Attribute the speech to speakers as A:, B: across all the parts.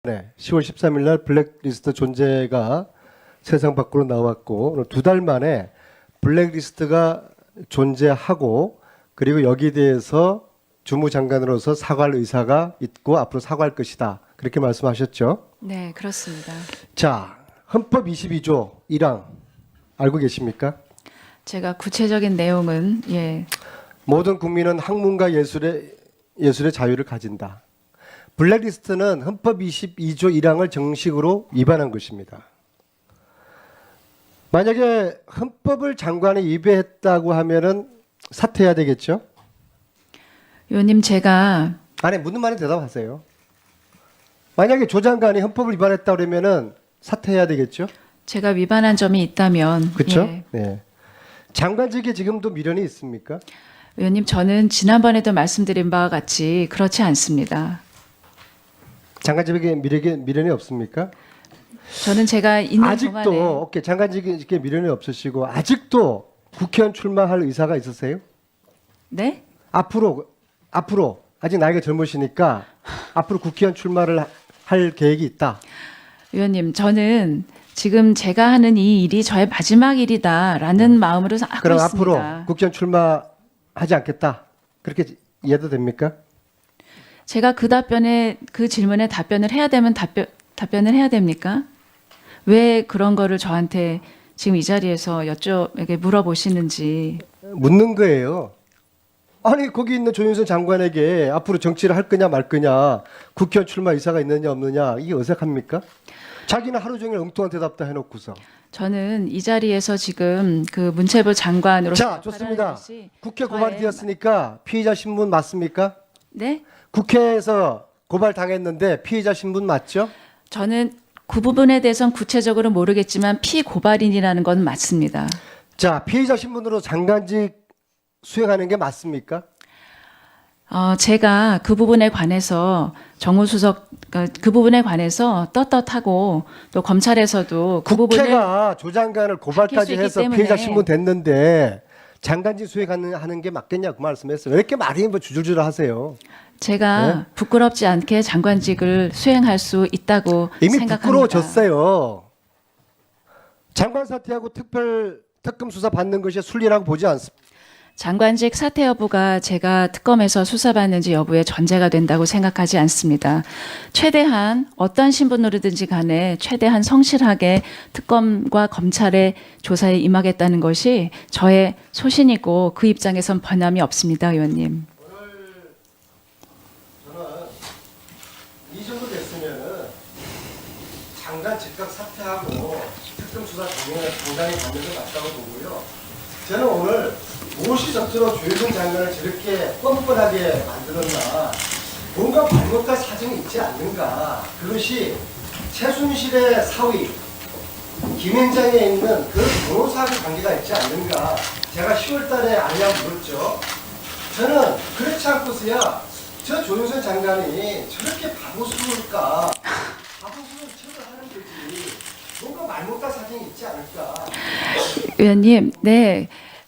A: 네, 10월 13일 날 블랙리스트 존재가 세상 밖으로 나왔고 두 달 만에 블랙리스트가 존재하고 그리고 여기에 대해서 주무장관으로서 사과할 의사가 있고 앞으로 사과할 것이다. 그렇게 말씀하셨죠?
B: 네, 그렇습니다.
A: 자, 헌법 22조 1항 알고 계십니까?
B: 제가 구체적인 내용은
A: 모든 국민은 학문과 예술의 자유를 가진다. 블랙리스트는 헌법 22조 1항을 정식으로 위반한 것입니다. 만약에 헌법을 장관이 위배했다고 하면은 사퇴해야 되겠죠?
B: 의원님 제가
A: 아니 묻는 말에 대답하세요. 만약에 조 장관이 헌법을 위반했다 그러면은 사퇴해야 되겠죠?
B: 제가 위반한 점이 있다면
A: 그렇죠?
B: 예.
A: 네. 장관직에 지금도 미련이 있습니까?
B: 의원님 저는 지난번에도 말씀드린 바와 같이 그렇지 않습니다.
A: 장관직에 미련이 없습니까?
B: 저는 제가 있는
A: 아직도
B: 동안에
A: 오케이, 장관직에 미련이 없으시고 아직도 국회의원 출마할 의사가 있으세요?
B: 네?
A: 앞으로 아직 나이가 젊으시니까 앞으로 국회의원 출마를 할 계획이 있다.
B: 의원님 저는 지금 제가 하는 이 일이 저의 마지막 일이다라는 마음으로 하고
A: 그럼
B: 있습니다.
A: 앞으로 국회의원 출마하지 않겠다. 그렇게 이해도 됩니까?
B: 제가 그 질문에 답변을 해야 되면 답변을 해야 됩니까? 왜 그런 거를 저한테 지금 이 자리에서 물어보시는지.
A: 묻는 거예요. 아니 거기 있는 조윤선 장관에게 앞으로 정치를 할 거냐 말 거냐 국회의원 출마 의사가 있느냐 없느냐 이게 어색합니까? 자기는 하루 종일 엉뚱한 대답도 해놓고서.
B: 저는 이 자리에서 지금 그 문체부 장관으로서
A: 자, 좋습니다. 국회 고발이 되었으니까 피의자 신분 맞습니까?
B: 네?
A: 국회에서 고발 당했는데 피의자 신분 맞죠?
B: 저는 그 부분에 대해서는 구체적으로 모르겠지만 피고발인이라는 건 맞습니다.
A: 자, 피의자 신분으로 장관직 수행하는 게 맞습니까?
B: 제가 그 부분에 관해서 정무수석 그 부분에 관해서 떳떳하고 또 검찰에서도 그 부분을
A: 국회가 조 장관을 고발까지
B: 있기
A: 해서
B: 때문에
A: 피의자 신분 됐는데 장관직 수행하는 게 맞겠냐 그 말씀했어요. 왜 이렇게 말이 뭐 주줄줄 하세요?
B: 제가
A: 네?
B: 부끄럽지 않게 장관직을 수행할 수 있다고
A: 이미
B: 생각합니다.
A: 부끄러워졌어요. 장관 사퇴하고 특검 수사 받는 것이 순리라고 보지 않습니다.
B: 장관직 사퇴 여부가 제가 특검에서 수사받는지 여부에 전제가 된다고 생각하지 않습니다. 최대한 어떤 신분으로든지 간에 최대한 성실하게 특검과 검찰의 조사에 임하겠다는 것이 저의 소신이고 그 입장에선 변함이 없습니다, 의원님.
A: 저는 이 정도 됐으면은 장관 즉각 사퇴하고 특검 수사 동장에 받는 게 맞다고 보고요. 저는 오늘 무엇이 적절로 조윤선 장관을 저렇게 뻔뻔하게 만들었나 뭔가 잘못된 사정이 있지 않는가. 그것이 최순실의 사위 김앤장에 있는 그 변호사하고 관계가 있지 않는가. 제가 10월 달에 알량 물었죠. 저는 그렇지 않고서야 저 조윤선 장관이 저렇게 바보스러울까. 바보스러운 척을 하는 거지. 뭔가 말 못할 사정이 있지 않을까.
B: 의원님, 네.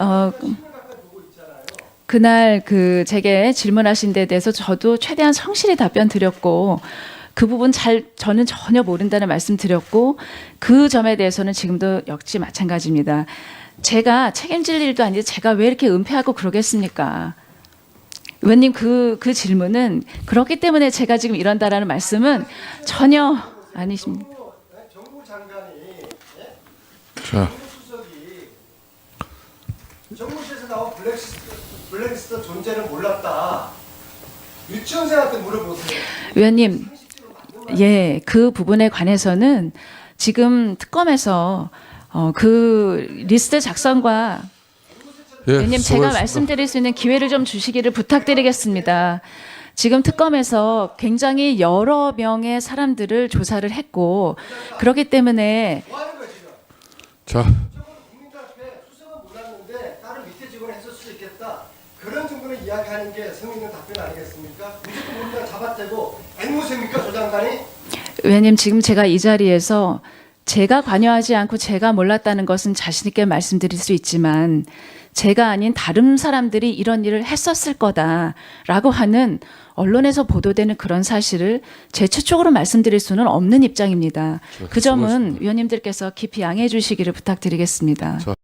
B: 그날 제게 질문하신 데 대해서 저도 최대한 성실히 답변 드렸고 그 부분 저는 전혀 모른다는 말씀 드렸고 그 점에 대해서는 지금도 역시 마찬가지입니다. 제가 책임질 일도 아닌데 제가 왜 이렇게 은폐하고 그러겠습니까? 의원님 그 질문은 그렇기 때문에 제가 지금 이런다라는 말씀은 전혀 아니십니다.
A: 정부 장관이
C: 자,
A: 수석이 정무실에서 나온 블랙리스트 존재를 몰랐다. 유치원생한테 물어보세요.
B: 의원님, 예, 그 부분에 관해서는 지금 특검에서 그 리스트 작성과
C: 예,
B: 의원님 제가
C: 수고하셨습니다.
B: 말씀드릴 수 있는 기회를 좀 주시기를 부탁드리겠습니다. 지금 특검에서 굉장히 여러 명의 사람들을 조사를 했고 그렇기 때문에
A: 뭐 하는 거야 지금?
C: 자,
A: 국민들 앞에 수석은 몰랐는데 다른 밑에 직원을 했을 수 있겠다. 그런 정도는 이야기하는 게 성의 있는 답변 아니겠습니까? 무조건 모른다 잡아떼고 앵무새입니까 조 장관이?
B: 의원님 지금 제가 이 자리에서 제가 관여하지 않고 제가 몰랐다는 것은 자신 있게 말씀드릴 수 있지만 제가 아닌 다른 사람들이 이런 일을 했었을 거다라고 하는 언론에서 보도되는 그런 사실을 제 최초로 말씀드릴 수는 없는 입장입니다. 그 점은
C: 수고하셨습니다.
B: 위원님들께서 깊이 양해해 주시기를 부탁드리겠습니다.
C: 자.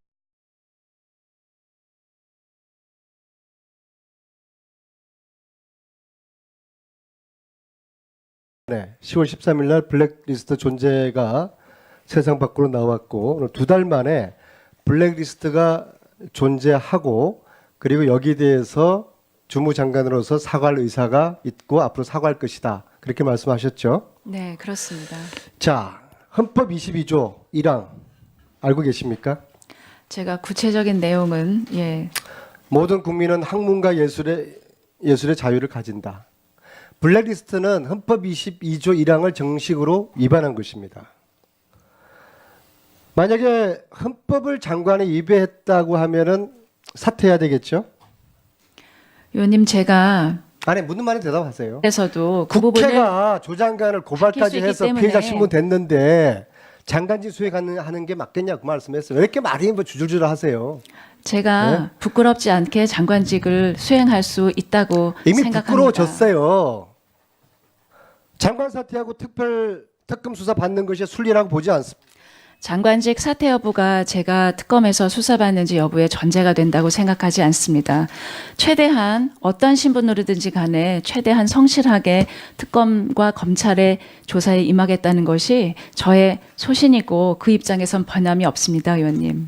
A: 네, 10월 13일 날 블랙리스트 존재가 세상 밖으로 나왔고 두 달 만에 블랙리스트가 존재하고 그리고 여기에 대해서 주무장관으로서 사과할 의사가 있고 앞으로 사과할 것이다. 그렇게 말씀하셨죠?
B: 네, 그렇습니다.
A: 자, 헌법 22조 1항 알고 계십니까?
B: 제가 구체적인 내용은
A: 모든 국민은 학문과 예술의 자유를 가진다. 블랙리스트는 헌법 22조 1항을 정식으로 위반한 것입니다. 만약에 헌법을 장관이 위배했다고 하면은 사퇴해야 되겠죠?
B: 위원님 제가
A: 아니 묻는 말에 대답하세요.
B: 그래서도 그 부분을
A: 국회가 조 장관을 고발까지
B: 밝힐 수 있기
A: 해서
B: 때문에
A: 피해자 신문 됐는데 장관직 수행하는 게 맞겠냐 그 말씀했어요. 왜 이렇게 말이 뭐 주줄주줄 하세요?
B: 제가
A: 네?
B: 부끄럽지 않게 장관직을 수행할 수 있다고
A: 이미
B: 생각합니다.
A: 부끄러워졌어요. 장관 사퇴하고 특검 수사 받는 것이 순리라고 보지 않습니다.
B: 장관직 사퇴 여부가 제가 특검에서 수사받는지 여부에 전제가 된다고 생각하지 않습니다. 최대한 어떤 신분으로든지 간에 최대한 성실하게 특검과 검찰의 조사에 임하겠다는 것이 저의 소신이고 그 입장에선 변함이 없습니다, 의원님.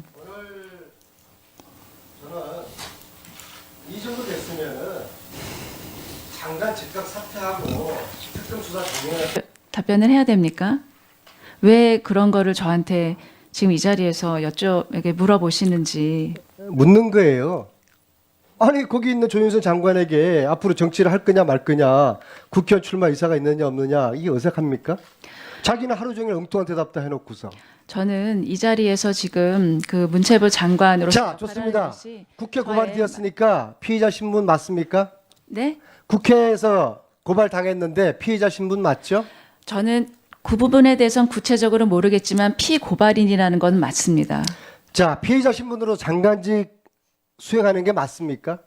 A: 저는 이 정도 됐으면은 장관 즉각 사퇴하고 특검 수사 동행을
B: 답변을 해야 됩니까? 왜 그런 거를 저한테 지금 이 자리에서 물어보시는지.
A: 묻는 거예요. 아니 거기 있는 조윤선 장관에게 앞으로 정치를 할 거냐 말 거냐 국회의원 출마 의사가 있느냐 없느냐 이게 어색합니까? 자기는 하루 종일 엉뚱한 대답 다 해놓고서.
B: 저는 이 자리에서 지금 그 문체부 장관으로서
A: 자 좋습니다.
B: 것이
A: 국회
B: 저의
A: 고발이 되었으니까 피의자 신분 맞습니까?
B: 네?
A: 국회에서 고발 당했는데 피의자 신분 맞죠?
B: 저는 그 부분에 대해서는 구체적으로 모르겠지만 피고발인이라는 건 맞습니다.
A: 자 피의자 신분으로 장관직 수행하는 게 맞습니까?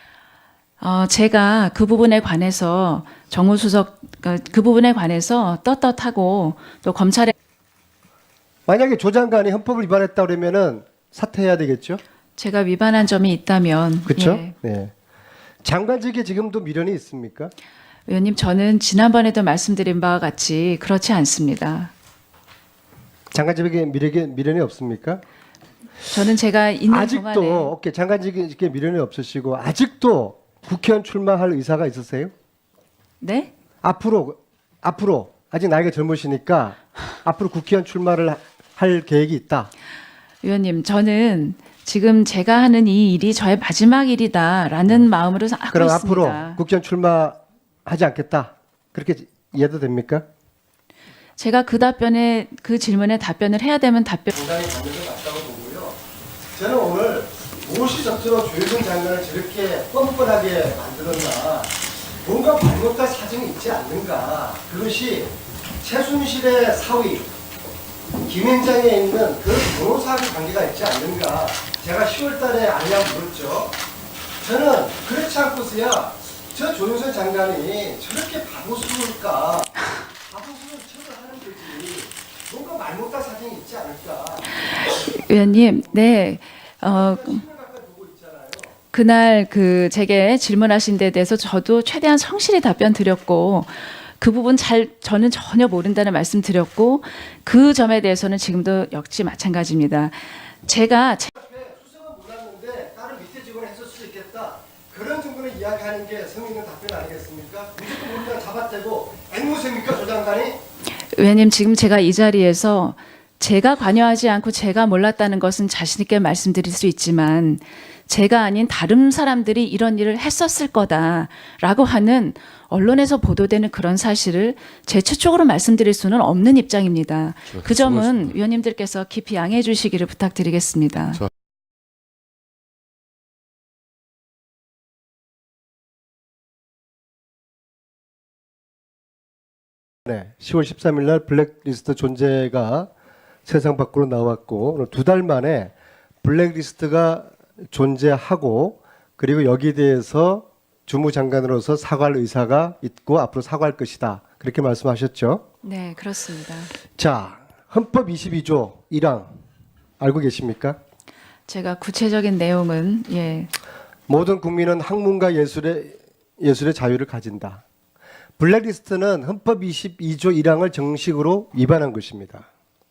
B: 제가 그 부분에 관해서 정무수석 그 부분에 관해서 떳떳하고 또 검찰에
A: 만약에 조 장관이 헌법을 위반했다 그러면은 사퇴해야 되겠죠?
B: 제가 위반한 점이 있다면
A: 그렇죠?
B: 예.
A: 네. 장관직에 지금도 미련이 있습니까?
B: 의원님 저는 지난번에도 말씀드린 바와 같이 그렇지 않습니다.
A: 장관직에 미련이 없습니까?
B: 저는 제가 있는
A: 아직도
B: 동안에
A: 오케이 장관직에 미련이 없으시고 아직도 국회의원 출마할 의사가 있으세요?
B: 네?
A: 앞으로 아직 나이가 젊으시니까 앞으로 국회의원 출마를 할 계획이 있다.
B: 의원님 저는 지금 제가 하는 이 일이 저의 마지막 일이다라는 마음으로 하고
A: 그럼
B: 있습니다.
A: 앞으로 국회의원 출마하지 않겠다. 그렇게 이해도 됩니까?
B: 제가 그 질문에 답변을 해야 되면
A: 상당히 가면서 맞다고 보고요. 저는 오늘 무엇이 적절로 조윤선 장관을 저렇게 뻔뻔하게 만들었나 뭔가 잘못된 사정이 있지 않는가 그것이 최순실의 사위 김앤장에 있는 그 변호사하고 관계가 있지 않는가 제가 10월 달에 알려 물었죠. 저는 그렇지 않고서야 저 조윤선 장관이 저렇게 바보스러울까 바보스러운 척을 하는 거지 뭔가 말못한 사정이 있지 않을까.
B: 의원님, 네. 그날 제게 질문하신 데 대해서 저도 최대한 성실히 답변 드렸고 그 부분 저는 전혀 모른다는 말씀 드렸고 그 점에 대해서는 지금도 역시 마찬가지입니다. 제가
A: 수석은 몰랐는데 다른 밑에 직원을 했을 수 있겠다. 그런 정도는 이야기하는 게 성의 있는 답변 아니겠습니까? 무조건 모른다 잡아떼고 앵무새입니까 조 장관이?
B: 의원님 지금 제가 이 자리에서 제가 관여하지 않고 제가 몰랐다는 것은 자신 있게 말씀드릴 수 있지만 제가 아닌 다른 사람들이 이런 일을 했었을 거다라고 하는 언론에서 보도되는 그런 사실을 제 최초로 말씀드릴 수는 없는 입장입니다. 그 점은
C: 수고하셨습니다.
B: 위원님들께서 깊이 양해해 주시기를 부탁드리겠습니다.
C: 자.
A: 네, 10월 13일 날 블랙리스트 존재가 세상 밖으로 나왔고 두 달 만에 블랙리스트가 존재하고 그리고 여기에 대해서 주무장관으로서 사과할 의사가 있고 앞으로 사과할 것이다. 그렇게 말씀하셨죠.
B: 네, 그렇습니다.
A: 자, 헌법 22조 1항 알고 계십니까?
B: 제가 구체적인 내용은
A: 모든 국민은 학문과 예술의 자유를 가진다. 블랙리스트는 헌법 22조 1항을 정식으로 위반한 것입니다.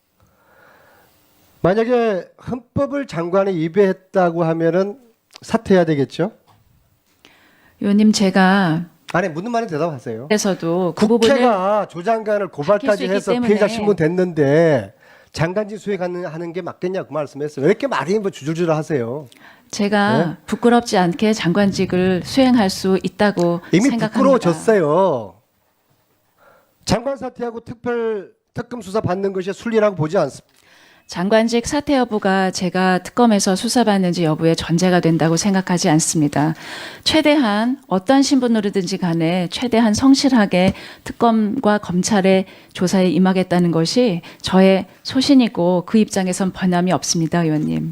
A: 만약에 헌법을 장관이 위배했다고 하면은 사퇴해야 되겠죠?
B: 의원님 제가
A: 아니 묻는 말에 대답하세요.
B: 그래서도 그 부분을
A: 국회가 조 장관을 고발까지
B: 밝힐 수 있기
A: 해서
B: 때문에
A: 피해자 신문 됐는데 장관직 수행하는 게 맞겠냐 그 말씀했어요. 왜 이렇게 말이 뭐 주줄주줄 하세요?
B: 제가
A: 네?
B: 부끄럽지 않게 장관직을 수행할 수 있다고
A: 이미
B: 생각합니다.
A: 부끄러워졌어요. 장관 사퇴하고 특검 수사 받는 것이 순리라고 보지 않습니다.
B: 장관직 사퇴 여부가 제가 특검에서 수사받는지 여부에 전제가 된다고 생각하지 않습니다. 최대한 어떤 신분으로든지 간에 최대한 성실하게 특검과 검찰의 조사에 임하겠다는 것이 저의 소신이고 그 입장에선 변함이 없습니다, 의원님.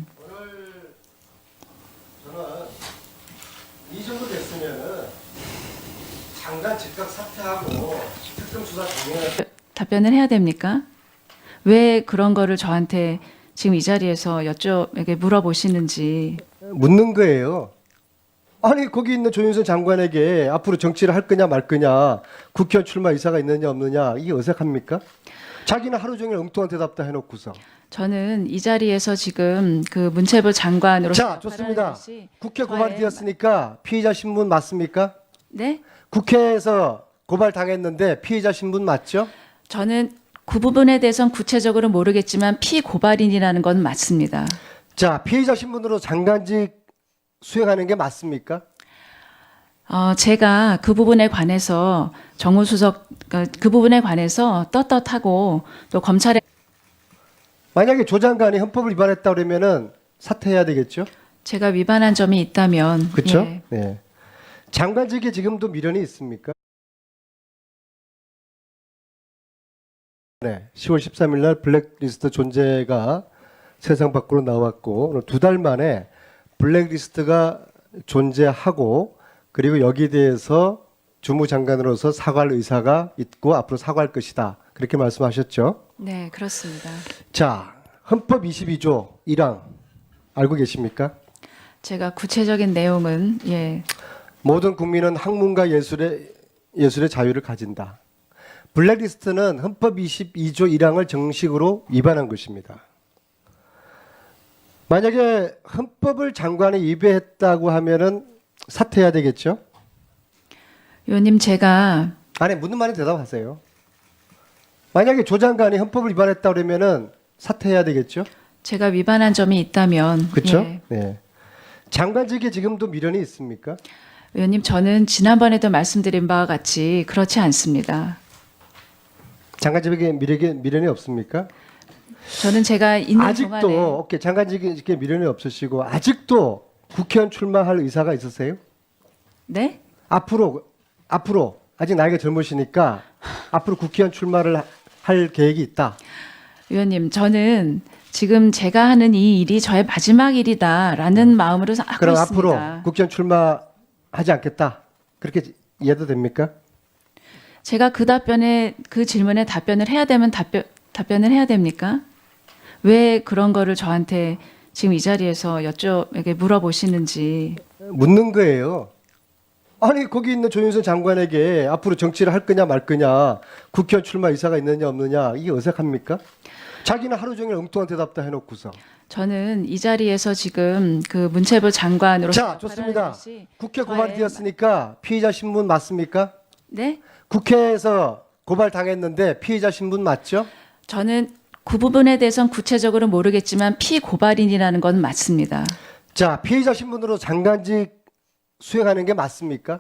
A: 저는 이 정도 됐으면은 장관 즉각 사퇴하고 특검 수사 동행을
B: 답변을 해야 됩니까? 왜 그런 거를 저한테 지금 이 자리에서 물어보시는지.
A: 묻는 거예요. 아니 거기 있는 조윤선 장관에게 앞으로 정치를 할 거냐 말 거냐 국회의원 출마 의사가 있느냐 없느냐 이게 어색합니까? 자기는 하루 종일 엉뚱한 대답 다 해놓고서.
B: 저는 이 자리에서 지금 그 문체부 장관으로서
A: 자 좋습니다.
B: 발언한 것이
A: 국회
B: 저의-
A: 고발이 되었으니까 피의자 신분 맞습니까?
B: 네?
A: 국회에서 고발 당했는데 피의자 신분 맞죠?
B: 저는 그 부분에 대해서는 구체적으로 모르겠지만 피고발인이라는 건 맞습니다.
A: 자 피의자 신분으로 장관직 수행하는 게 맞습니까?
B: 제가 그 부분에 관해서 정무수석 그 부분에 관해서 떳떳하고 또 검찰에
A: 만약에 조 장관이 헌법을 위반했다 그러면은 사퇴해야 되겠죠?
B: 제가 위반한 점이 있다면
A: 그렇죠?
B: 예.
A: 네. 장관직에 지금도 미련이 있습니까? 네. 10월 13일 날 블랙리스트 존재가 세상 밖으로 나왔고 2달 만에 블랙리스트가 존재하고 그리고 여기에 대해서 주무장관으로서 사과할 의사가 있고 앞으로 사과할 것이다. 그렇게 말씀하셨죠?
B: 네, 그렇습니다.
A: 자, 헌법 22조 1항 알고 계십니까?
B: 제가 구체적인 내용은
A: 모든 국민은 학문과 예술의 자유를 가진다. 블랙리스트는 헌법 22조 1항을 정식으로 위반한 것입니다. 만약에 헌법을 장관이 위배했다고 하면은 사퇴해야 되겠죠?
B: 의원님 제가
A: 아니 묻는 말에 대답하세요. 만약에 조 장관이 헌법을 위반했다 그러면은 사퇴해야 되겠죠?
B: 제가 위반한 점이 있다면
A: 그렇죠?
B: 예.
A: 네. 장관직에 지금도 미련이 있습니까?
B: 의원님 저는 지난번에도 말씀드린 바와 같이 그렇지 않습니다.
A: 장관직에 미련이 없습니까?
B: 저는 제가 있는
A: 아직도
B: 동안에
A: 오케이 장관직에 미련이 없으시고 아직도 국회의원 출마할 의사가 있으세요?
B: 네?
A: 앞으로 아직 나이가 젊으시니까 앞으로 국회의원 출마를 할 계획이 있다.
B: 의원님 저는 지금 제가 하는 이 일이 저의 마지막 일이다라는 마음으로 하고
A: 그럼
B: 있습니다.
A: 앞으로 국회의원 출마하지 않겠다. 그렇게 이해도 됩니까?
B: 제가 그 질문에 답변을 해야 되면 답변을 해야 됩니까? 왜 그런 거를 저한테 지금 이 자리에서 물어보시는지.
A: 묻는 거예요. 아니 거기 있는 조윤선 장관에게 앞으로 정치를 할 거냐 말 거냐 국회의원 출마 의사가 있느냐 없느냐 이게 어색합니까? 자기는 하루 종일 엉뚱한 대답 다 해놓고서.
B: 저는 이 자리에서 지금 그 문체부 장관으로서
A: 자 좋습니다.
B: 발언한 것이
A: 국회
B: 저의-
A: 고발이 되었으니까 피의자 신분 맞습니까?
B: 네?
A: 국회에서 고발 당했는데 피의자 신분 맞죠?
B: 저는 그 부분에 대해서는 구체적으로 모르겠지만 피고발인이라는 건 맞습니다.
A: 자 피의자 신분으로 장관직 수행하는 게 맞습니까?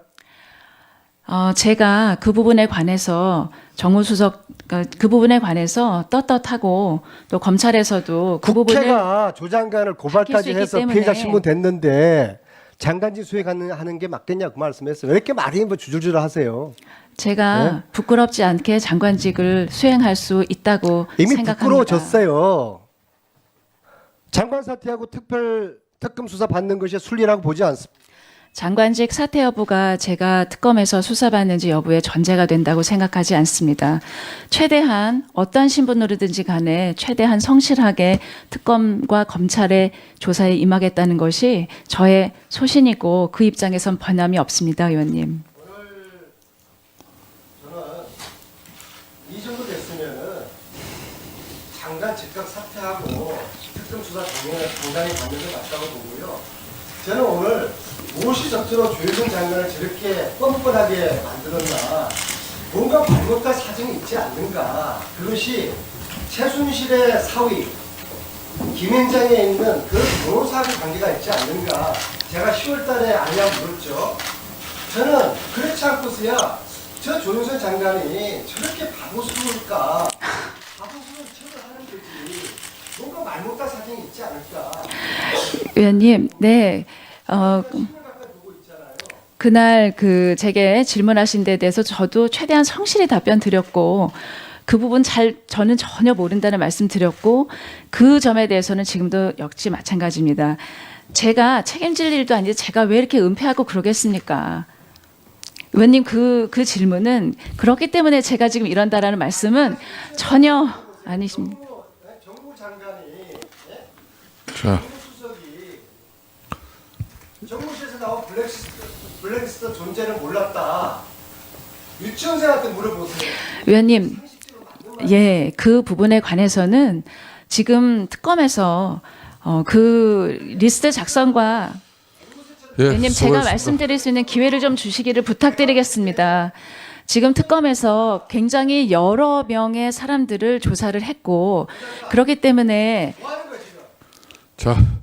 B: 제가 그 부분에 관해서 정무수석 그 부분에 관해서 떳떳하고 또 검찰에서도 그 부분을
A: 국회가 조 장관을
B: 밝힐 수
A: 고발까지
B: 있기
A: 해서
B: 때문에
A: 피의자 신분 됐는데 장관직 수행하는 게 맞겠냐 그 말씀했어요. 왜 이렇게 말이 뭐 주줄주줄 하세요?
B: 제가
A: 네?
B: 부끄럽지 않게 장관직을 수행할 수 있다고
A: 이미
B: 생각합니다.
A: 부끄러워졌어요. 장관 사퇴하고 특검 수사 받는 것이 순리라고 보지 않습니다.
B: 장관직 사퇴 여부가 제가 특검에서 수사받는지 여부의 전제가 된다고 생각하지 않습니다. 최대한 어떤 신분으로든지 간에 최대한 성실하게 특검과 검찰의 조사에 임하겠다는 것이 저의 소신이고 그 입장에선 변함이 없습니다, 의원님.
A: 오늘 저는 이 정도 됐으면은 장관 즉각 사퇴하고 특검 수사 동단이 받는 게 맞다고 보고요. 저는 오늘 무엇이 적절로 조혜정 장관을 저렇게 뻔뻔하게 만들었나, 뭔가 잘못된 사정이 있지 않는가. 그것이 최순실의 사위 김앤장에 있는 그 변호사하고 관계가 있지 않는가. 제가 10월 달에 아니냐고 물었죠. 저는 그렇지 않고서야 저 조윤선 장관이 저렇게 바보스러울까. 바보스러운 척을 하는 거지. 뭔가 말 못할 사정이 있지 않을까.
B: 의원님, 네. 그날 제게 질문하신 데 대해서 저도 최대한 성실히 답변 드렸고 그 부분 저는 전혀 모른다는 말씀 드렸고 그 점에 대해서는 지금도 역시 마찬가지입니다. 제가 책임질 일도 아닌데 제가 왜 이렇게 은폐하고 그러겠습니까? 의원님 그 질문은 그렇기 때문에 제가 지금 이런다라는 말씀은 전혀 아니십니다.
A: 정부 장관이
C: 자,
A: 수석이 정무실에서 나온 블랙리스트 존재를 몰랐다. 유치원생한테 물어보세요.
B: 의원님, 예, 그 부분에 관해서는 지금 특검에서 그 리스트 작성과
C: 예,
B: 의원님 제가
C: 수고하셨습니다.
B: 말씀드릴 수 있는 기회를 좀 주시기를 부탁드리겠습니다. 지금 특검에서 굉장히 여러 명의 사람들을 조사를 했고 그렇기 때문에
A: 뭐 하는 거야 지금?
C: 자,